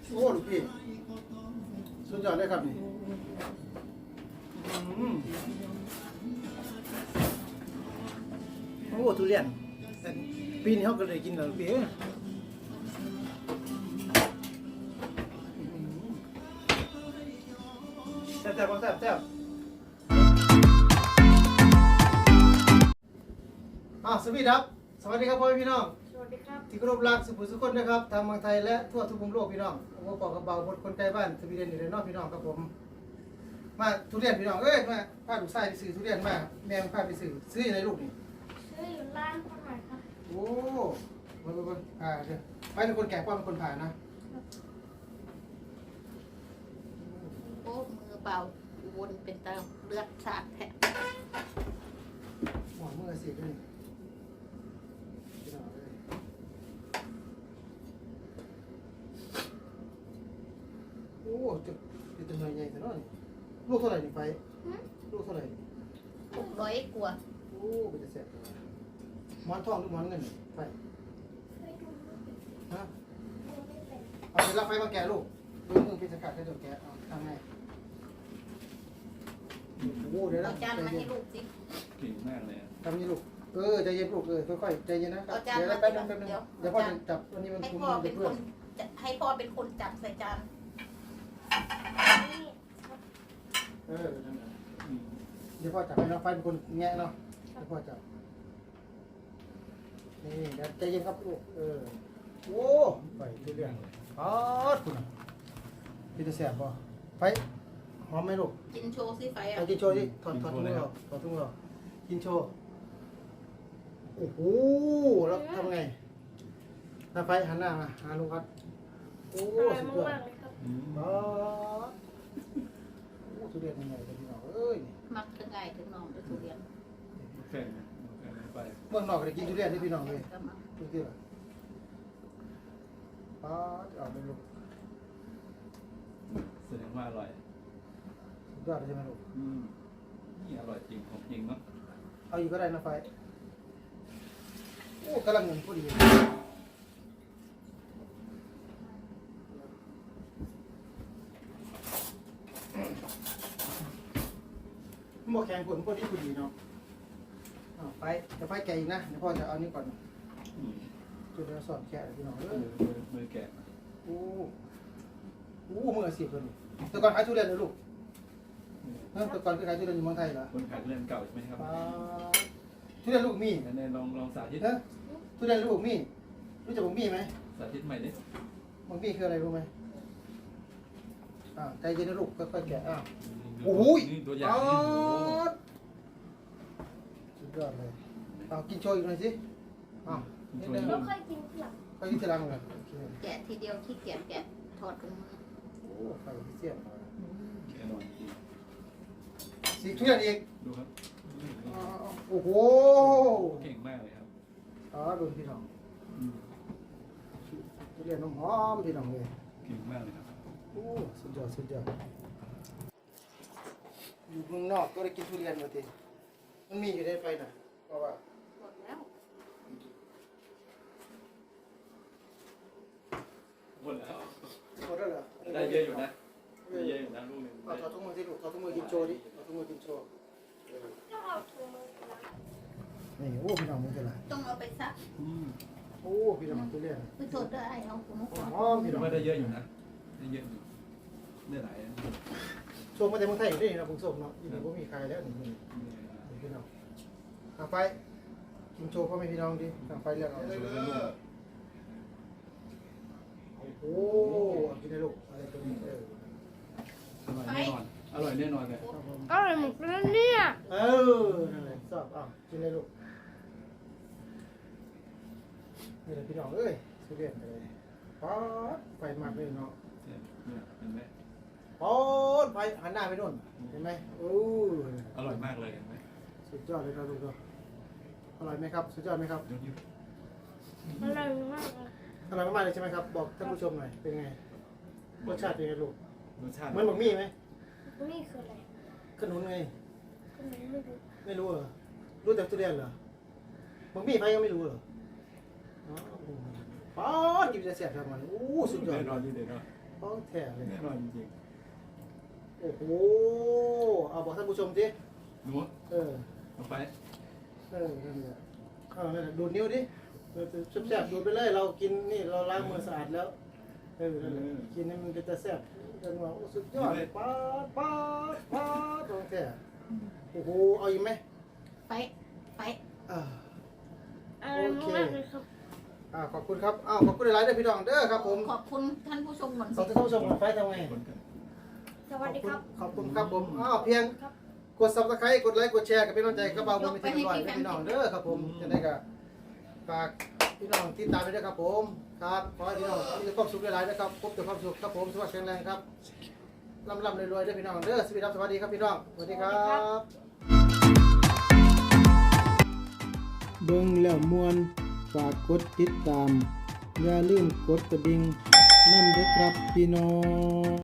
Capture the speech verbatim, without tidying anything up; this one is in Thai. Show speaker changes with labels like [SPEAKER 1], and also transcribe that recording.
[SPEAKER 1] โอ้ลูกพี่สุดยอดเลยครับนี่อืมโอ้ทุเรียนแต่ปีนี้เขาก็เลยกินแล้วลูกพี่แซ่บแซ่บแซ่บแซ่บอ่ะสวัสดีครับสวัสดีครับพ่อพี่น้อง
[SPEAKER 2] สวัสดีครับ
[SPEAKER 1] ที่เคารพรักสุภุสุคนนะครับทางเมืองไทยและทั่วทุกมุมโลกพี่น้องผมก็ปอกกระเบาบนคนไกลบ้านสวีเดนอยู่ในนอกพี่น้องครับผมมาทุเรียนพี่น้องเอ้ยมาพาลูกชายไปซื้อทุเรียนมาแม่พาไปซื้อซื้ออยู่ในลูกนี่
[SPEAKER 2] ซื้ออยู่ร้านคนไหนครับ
[SPEAKER 1] โอ้มาไปไปอ่าเดี๋ยวไปเป็นคนแก่ป้าเป็นคนผ่านนะ
[SPEAKER 3] โอ้มือเบาวนเป็นตาเลือดสาดแผล
[SPEAKER 1] หมอนมือเสียด้วยนี่พี่น้องเอ้ยโอ้จุดเป็นตัวใหญ่แต่น้อยลูกเท่าไหร่นี่ไปลูกเท่าไหร่
[SPEAKER 3] หกร้อยกว่า
[SPEAKER 1] โอ้เป็นจะแสบหมอนทองหรือหมอนเงินไป
[SPEAKER 2] ไม่ดู
[SPEAKER 1] ฮะ
[SPEAKER 2] ไม่เป็น
[SPEAKER 1] เอาไปรับไฟมาแกะลูกดูมือพิจารณาแค่ตัวแกะเอาทำไงโอ้เดี๋ยวนะ
[SPEAKER 3] เอาจานมาให้ลูกสิ
[SPEAKER 4] เก่งมากเลยอะ
[SPEAKER 1] ทำนี่ลูกเออใจเย็นลูกเออค่อยๆใจเย็นนะ
[SPEAKER 3] เอาจาน
[SPEAKER 1] เดี๋ยว
[SPEAKER 3] มา
[SPEAKER 1] แป๊บนึงแป๊บนึง
[SPEAKER 3] เดี๋ยว
[SPEAKER 1] เดี๋ยวพ่อจะจับวันนี้มัน
[SPEAKER 3] ให้
[SPEAKER 1] คุ้ม
[SPEAKER 3] พ่อ
[SPEAKER 1] มัน
[SPEAKER 3] เป็
[SPEAKER 1] เป็น น
[SPEAKER 3] ค
[SPEAKER 1] เพื่อน
[SPEAKER 3] นจะให้พ่อเป็นคนจับใส่จาน
[SPEAKER 2] นี่ครับ
[SPEAKER 1] เออนั่นแหละ
[SPEAKER 4] อืม
[SPEAKER 1] เดี๋ยวพ่อจับให้น้องไฟเป็นคนแงะเนาะเดี๋ยวพ่อจับนี่เดี๋ยวใจเย็นครับลูกเออโอ้ไปเรื่อยๆอ๋อคุณพี่จะแสบป่ะไฟหอมไหมลูก
[SPEAKER 3] กินโชว์สิไฟอ่ะ
[SPEAKER 1] เอากินโชว์ดิถอดถอดถุงมือออกถอดถุงมือออกกินโชว์โอ้โหแล้วทำไงหน้าไฟหันหน้ามาหาลุงครับโอ้
[SPEAKER 2] อร่อย
[SPEAKER 1] สุดยอด
[SPEAKER 2] มากๆเลยครับ
[SPEAKER 4] อืม
[SPEAKER 1] อ๋อโอ้ทุเรียนยังไงกันพี่น้องเอ้ย
[SPEAKER 3] มักถึงไงถึงน้องด้วยทุเรียน
[SPEAKER 4] แข่งแข่งไป
[SPEAKER 1] เมืองนอกก็ได้กินทุเรียนที่พี่น้องเลย
[SPEAKER 3] ก็มา
[SPEAKER 1] ทุเรียนป้าจะเอาไปลูก
[SPEAKER 4] แสดงว่าอร่อย
[SPEAKER 1] สุดยอดเลยใช่ไหมลูก
[SPEAKER 4] อืมนี่อร่อยจริงของจริงเนาะ
[SPEAKER 1] เอาอีกก็ได้นะไฟโอ้กำลังเงินพอดีหม้อแข็งผลพอดีพอดีเนาะเอาไปจะไฟแกะอีกนะเดี๋ยวพ่อจะเอานี่ก่อน
[SPEAKER 4] อืม
[SPEAKER 1] จุดเดียวสอนแกะเลยพี่น้องเอ
[SPEAKER 4] มื
[SPEAKER 1] อ
[SPEAKER 4] อมือมือแกะ
[SPEAKER 1] โอ้โหมืออาชีพเลยนี่แต่ก่อนขายทุเรียนเลยลูกเออแต่ก่อนคือขายทุเรียนอยู่เมืองไทยเหรอ
[SPEAKER 4] คนขายทุเรียนเก่าใช่ไหมครับ
[SPEAKER 1] ป้าทุเรียนลูกมี
[SPEAKER 4] อันนี้ลองลองสาธิต
[SPEAKER 1] เนอะทุเรียนลูกมีรู้จักบักมี่ไหม
[SPEAKER 4] สาธิตใหม่ดิ
[SPEAKER 1] บักมี่คืออะไรรู้ไหมอ่าใจเย็นนะลูกค่อยๆแกะอ้าว โอ้โห
[SPEAKER 4] นี่ตัวอย่าง
[SPEAKER 1] อ๋อ
[SPEAKER 4] นี่โอ้โห
[SPEAKER 1] สุดยอดเลยเอากินโชว์อีกหน่อยสิอ้าวนิดนึง
[SPEAKER 2] แล้วค่อยกินทีหลัง
[SPEAKER 1] ค่อยกินทีหลังเลยโอเค
[SPEAKER 3] แกะทีเดียวขี้เกียจแกะถอดถุงมือ
[SPEAKER 1] โอ้ไฟเสียบมา
[SPEAKER 4] อร่อยจริง
[SPEAKER 1] สีทุเรียนอีก
[SPEAKER 4] ดูครับ
[SPEAKER 1] อ๋อโอ้โห
[SPEAKER 4] เก่งมากเลยครับ
[SPEAKER 1] อ๋อดูพี่น้อง
[SPEAKER 4] อืม
[SPEAKER 1] ทุเรียนน้ำหอมพี่น้องเลย
[SPEAKER 4] เก่งมากเลยครับ
[SPEAKER 1] โอ้สุดยอดสุดยอดอยู่เมืองนอกก็ได้กินทุเรียนมาทีมันมีอยู่ในไฟน่ะเพราะว่า
[SPEAKER 3] หมดแล้ว
[SPEAKER 4] หมดแล้ว
[SPEAKER 1] หมดแล้วเหรอ
[SPEAKER 4] ได้เยอะอยู่นะได้เยอะอยู่นะลูกหนึ่ง
[SPEAKER 1] เอาถอดถุงมือสิลูกถอดถุงมือกินโชว์ดิถอดถุงมือกินโชว์
[SPEAKER 2] ก็เอาถุงมือล้าง
[SPEAKER 1] นี่โอ้พี่น้องมันจะไร
[SPEAKER 3] ต้องเอาไปซัก
[SPEAKER 4] อืม
[SPEAKER 1] โอ้พี่น้องทุเรียน
[SPEAKER 3] ไปโทษด้วยไอ้เอาถุงมือ
[SPEAKER 1] หอมพี่น้อง
[SPEAKER 4] ว่าได้เยอะอยู่นะได้เยอะอยู่ได้หลายนะ
[SPEAKER 1] โชว์มาจากเมืองไทยอยู่นี่นะผมส่งเนาะอีกหนึ่งก็มีใครแล้วนี่นี่นี่พี่น้องทางไฟกินโชว์พ่อแม่พี่น้องดิทางไฟเรียกเอาโอ้กินได้ลูกอะไรตัวนี้เออ
[SPEAKER 4] อร่อยแน่นอน อร่อยแน่นอนเลย
[SPEAKER 1] ครับผม
[SPEAKER 2] อร่อยหมดแล้วเนี่ย
[SPEAKER 1] เออนั่นแหละชอบอ้าวกินได้ลูกนี่แหละพี่น้องเอ้ยทุเรียนเลยป๊อดไฟมากเลยเนาะ
[SPEAKER 4] เนี่ยเนี่ยเห็นไหม
[SPEAKER 1] ป๊อดไฟหันหน้าไปนู่นเห็นไหมโอ้
[SPEAKER 4] อร่อยมากเลยเห็นไหม
[SPEAKER 1] สุดยอดเลยครับลูกเนาะอร่อยไหมครับสุดยอดไหมครับ
[SPEAKER 4] ยกนิ้ว
[SPEAKER 2] อร่อยมากเลย
[SPEAKER 1] อร่อยมากๆเลยใช่ไหมครับบอกท่านผู้ชมหน่อยเป็นไงรสชาติเป็นไงลูก
[SPEAKER 4] รสชาติ
[SPEAKER 1] เหมือนบักมี่ไหม
[SPEAKER 2] นี่คืออะไร
[SPEAKER 1] ขนุนไง
[SPEAKER 2] ก็ไม่รู้
[SPEAKER 1] ไม่รู้เหรอรู้แต่ทุเรียนเหรอบักมี่ไปก็ไม่รู้เหรออ๋อป๊อดกินจะเสียบทำมันโอ้สุดยอด
[SPEAKER 4] แน่นอนนี่เด็ดเนาะ
[SPEAKER 1] ปของแท้เลย
[SPEAKER 4] แน่นอนจริง
[SPEAKER 1] โอ้โหเอาบอกท่านผู้ชมสิ
[SPEAKER 4] ๆหนู
[SPEAKER 1] เออ
[SPEAKER 4] เอาไป
[SPEAKER 1] เออนั่นแหละเอานั่นแหละดูดนิ้วดิเออแซ่บๆดูดไปเลยเรากินนี่เราล้างมือสะอาดแล้วเออนั่นแหละกินให้มันเป็นตาแซ่บกันว่าโอ้สุดยอดป๊าดป๊าดป๊าดของแท้โอ้โหเอาอีกไหม
[SPEAKER 3] ไปไป
[SPEAKER 1] อ่า
[SPEAKER 2] อร่อยมากเลยครับ
[SPEAKER 1] อ่าขอบคุณครับอ้าวขอบคุณหลายๆเด้อพี่น้องเด้อครับผม
[SPEAKER 3] ขอบคุณท่านผู้ชมก่อน
[SPEAKER 1] ขอบ
[SPEAKER 3] สิ
[SPEAKER 1] คุณท่านผู้ชมของไฟทำไง
[SPEAKER 4] คนกัน
[SPEAKER 2] สวัสดีครับ
[SPEAKER 1] ขอบคุณครับผมอ้าวเพียง
[SPEAKER 2] ครับ
[SPEAKER 1] กด Subscribe กดไลค์กดแชร์กับพี่น้องใจกระเป๋าบนไปที่ร้อยเด้อพี่น้องเด้อครับผมจะได้ก็ฝากพี่น้องติดตามไปด้วยครับผมครับขอให้พี่น้องมีความสุขหลายๆนะครับพบแต่ความสุขครับผมสวัสดีแข็งแรงครับร่ำๆรวยๆเด้อพี่น้องเด้อสวัสดีครับสวัสดีครับพี่น้องสวัสดีครับเบิ่งแล้วมวนฝากกดติดตามอย่าลืมกดกระดิ่งนั่นเด้อครับพี่น้อง